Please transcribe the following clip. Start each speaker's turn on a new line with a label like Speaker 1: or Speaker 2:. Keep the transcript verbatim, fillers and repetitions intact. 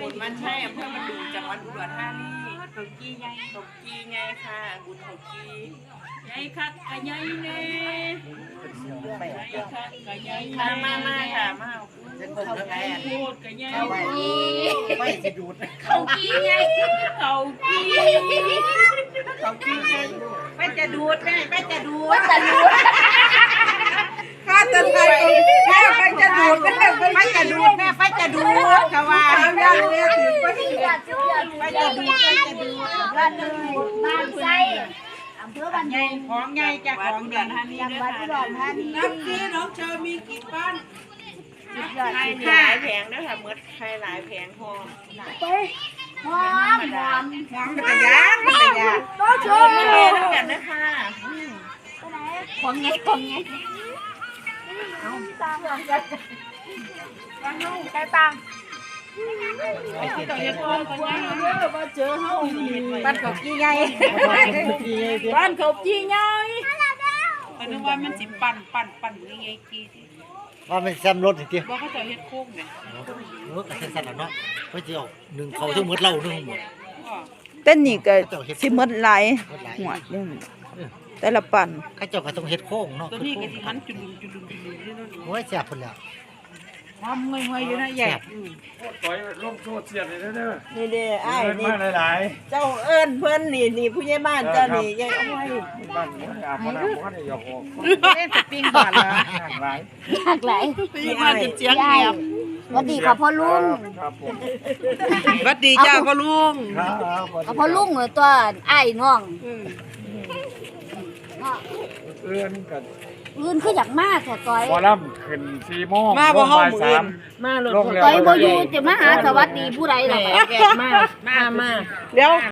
Speaker 1: มันใช่อำเภอมันดูจังหวัดอุดรธานีเขากี้ไงเขากี้ไงค่ะบุญเขากี้ไงคักกะไงเน่ไงคักกะไงมามามาค่ะมาเขากี้พูดกะไงเขากี้ไม่สิดูดเขากี้ไงเขากี้เขากี้ไงไม่จะดูดแม่ไม่จะดูดจะดูดข้าจะไทยแม่ไปจะดูดแม่ไปจะดูดแม่ไปจะดูดเขาว่าย่างเลี้ยถึงไปไปจะดูดไปจะดูดบ้านเลยบ้านไส้อำเภอบ้านใหญ่ของใหญ่จากของเดือนฮันนี่จังหวัดอุดรธานีน้ำซีน้องเชอมีกี่บ้านใครหลายแผงนะคะเมื่อใครหลายแผงหอมไปหอมหอมหอมเป็นยาเป็นยาต้องชมมาเลยทั้งนั้นนะคะของไงของไงเอาตังค์กันตังค์ใครตังค์ไอ้เจ้าเฮ็ดคนคนยังเด้อมาเจอเฮาบ้านเขากี้ใหญ่บ้านเขากี้ใหญ่ก็นึกว่ามันสิปั่นปั่นปั่นยังไงกี้
Speaker 2: ว่ามันแซมรถอีกที
Speaker 1: บ่เขาจะเฮ็ดโค้งแม่
Speaker 2: เออก็สั่นแล้วเนาะเพิ่นสิเอาหนึ่งเขาทั้งหมดเล่าทั้งหมด
Speaker 3: เต้นนี่ก็สิหมดหลายหัวนึงแต่ละปั่น
Speaker 2: เขาเจ้าก็ต้องเฮ็ดโค้งเนาะ
Speaker 1: ตัวนี้ก็สิมันจุลุจุลุจุลุนี่เนาะ
Speaker 2: โอ้ยแซ่บพุ่นแล้ว
Speaker 1: หอมงวยๆอยู่นะใหญ่
Speaker 4: ต่อยลงโซเชียลเลยเด้อ
Speaker 1: นี่เด้ออ้ายนี่
Speaker 4: มาหลาย
Speaker 1: ๆเจ้าเอิ้นเพิ่นนี่นี่ผู้ใหญ่บ้านเจ้านี่ยายเอาไว้
Speaker 4: บ้านอาบน้ำบ่ได้ยกออก
Speaker 1: เล่นสปริงบ้านละ
Speaker 4: หลาย
Speaker 5: หลากหลาย
Speaker 1: ผู้ใหญ่บ้านจะเจียงเงียบ
Speaker 5: สวัสดีค่ะพ่อลุง
Speaker 4: ครับผม
Speaker 1: สวัสดีจ้าพ่อลุง
Speaker 4: ครับ
Speaker 5: พ่อลุงตัวอ้ายน้องเนาะ
Speaker 4: เอื้อนกัน
Speaker 5: อื่นคืออยากมากแค่ต้อย
Speaker 4: บ่ลำขึ้นสี่โมง
Speaker 1: มาบ่เฮา
Speaker 4: บ่าย
Speaker 1: มื้อ
Speaker 4: สา
Speaker 1: อื่
Speaker 4: ม
Speaker 1: นมาเลย
Speaker 4: ลงแล้ว
Speaker 5: ต้อยบ่อยู่จะมาหาสวัสดีผู้ใดล่ะ
Speaker 1: แกมามามา
Speaker 3: เดี๋ยว